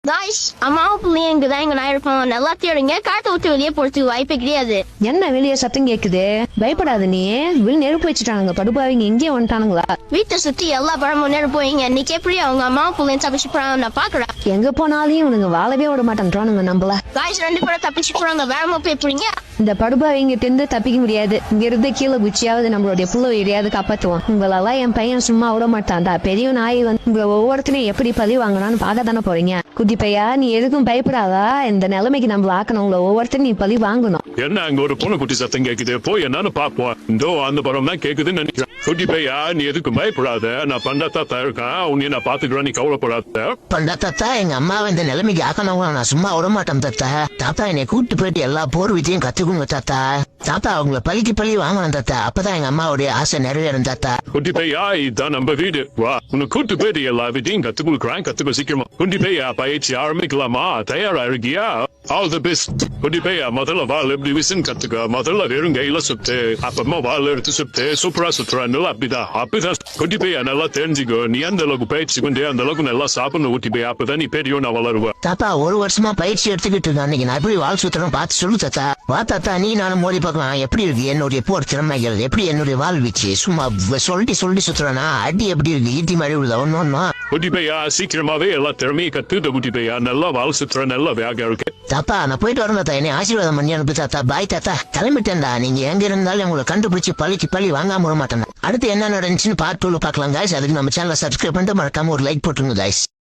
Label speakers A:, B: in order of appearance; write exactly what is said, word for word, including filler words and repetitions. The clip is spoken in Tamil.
A: காய்ஸ் அம்மாவும் பிள்ளையும் இங்கதான் எங்க நான் இருப்போம். நல்லா தேடுங்க. காட்டை விட்டு வெளியே போறதுக்கு வாய்ப்பே கிடையாது.
B: என்ன வெளியே சத்தம் கேக்குது? பயப்படாத நீ. வெளி நெருப்பு வச்சுட்டானுங்க. படுபாவிங்க இங்கே வந்துட்டானுங்களா?
A: வீட்டை சுத்தி எல்லா பழமும் நேரம் போயிங்க. இன்னைக்கு எப்படி அவங்க அம்மாவும் பிள்ளையும் தப்பிச்சு போறாங்க நான் பாக்குறேன்.
B: எங்க போனாலும் இவனுங்க வாழவே விட மாட்டேன்றானுங்க நம்மள.
A: காய்ஸ் ரெண்டு பேரும் தப்பிச்சு போறாங்க. வேறமா போய் போறீங்க.
B: இந்த படுபாவிங்க இருந்து தப்பிக்க முடியாது. இங்க இருந்து கீழே குச்சியாவது நம்மளுடைய புள்ள எரியாவது காப்பாத்துவோம். உங்களெல்லாம் என் பையன் சும்மா விட மாட்டான்டா. பெரிய நாய் வந்து உங்க ஒவ்வொருத்தனையும் எப்படி பதிவு வாங்கினான்னு பாக்க தானே போறீங்க. குட்டி பையா நீ எதுக்கும் பயப்படாதா. இந்த நிலைமைக்கு நம்மள ஆக்கணும். உங்களை ஒவ்வொருத்தரும் நீ பதிவு வாங்கணும்.
C: என்ன அங்க ஒரு பொண்ணு குட்டி சத்தம் கேக்குது. போய் என்னன்னு பாப்போம். இந்தோ அந்த படம் தான் கேக்குதுன்னு நினைக்கிறேன். குட்டி பையா நீ எதுக்கும் பயப்படாத. நான் பண்டாத்தா இருக்கேன். உன்னை நான் பாத்துக்கிறேன். நீ கவலைப்படாத.
D: பண்டாத்தா எங்க அம்மாவை இந்த நிலைமைக்கு ஆக்கணும். நான் சும்மா விட மாட்டேன் தாத்தா. தாத்தா என்னை கூட்டு போயிட்டு எல்லா போர் வித்தையும் கத்துக்குங்க தாத்தா. தாத்தா அவங்களை பழிக்கு பழி வாங்கணும் தாத்தா. அப்பதான் எங்க அம்மாவுடைய ஆசை நிறைவேறும் தாத்தா.
C: குட்டி பையா இதுதான் நம்ம வீடு. வா உன்னை கூட்டு போயிட்டு எல்லா வீட்டையும் கத்து கொடுக்குறேன். கத்துக்க சீக்கிரமா. குட்டி பையா பயிற்சி ஆரம்பிக்கலாமா? தயாரா இருக்கியா? All the best. குட்டி பையா முதல்ல வால் எப்படி விசின் கத்துக்க. முதல்ல வெறும் கையில சுத்து. அப்புறமா வால் எடுத்து சுத்து. சூப்பரா சுத்துறேன். அப்படிதான் அப்படிதான் குட்டி பையா நல்லா தெரிஞ்சுக்கோ. நீ அந்த அளவுக்கு பயிற்சி கொண்டு அந்த அளவுக்கு நல்லா சாப்பிடணும் குட்டி பையா. அப்பதான் நீ பெரிய நான் வளருவ.
D: தாத்தா ஒரு வருஷமா பயிற்சி எடுத்துக்கிட்டு இருந்தேன். அன்னைக்கு நான் எப்படி வால் சுத்துறேன் பார்த்து சொல்லு தாத்தா. வா தாத்தா நீ நானும் மோதி பார்க்கலாம். எப்படி இருக்கு என்னுடைய போர் திறமைகள்? எப்படி என்னுடைய வால் வீச்சு? சும்மா சொல்லி சொல்லி சுத்துறேனா? அடி எப்படி இருக்கு? ஈட்டி மாதிரி விழுதா ஒன்னு
C: குட்டி பையா சீக்கிரமாவே எல்லா திறமையும் கத்துட்ட குட்டி பையா. நல்லா வால் சுத்துற நல்லா வேக இருக்கு.
D: தாத்தா நான் போயிட்டு வரேன் தாத்தா. என்னை ஆசீர்வாதம் பண்ணி அனுப்பி தாத்தா. பாய் தாத்தா. கிளம்பிட்டேன்டா. நீங்க எங்க இருந்தாலும் உங்களை கண்டுபிடிச்சு பழிக்கு பழி வாங்காம விட மாட்டேன். அடுத்து என்ன நடந்துச்சுன்னு பார்ட் டூல பாக்கலாம் காய்ஸ். அதுக்கு நம்ம சேனலை சப்ஸ்கிரைப் பண்ணிட்டு மறக்காம ஒரு லைக் போட்டுருங்க காய்ஸ்.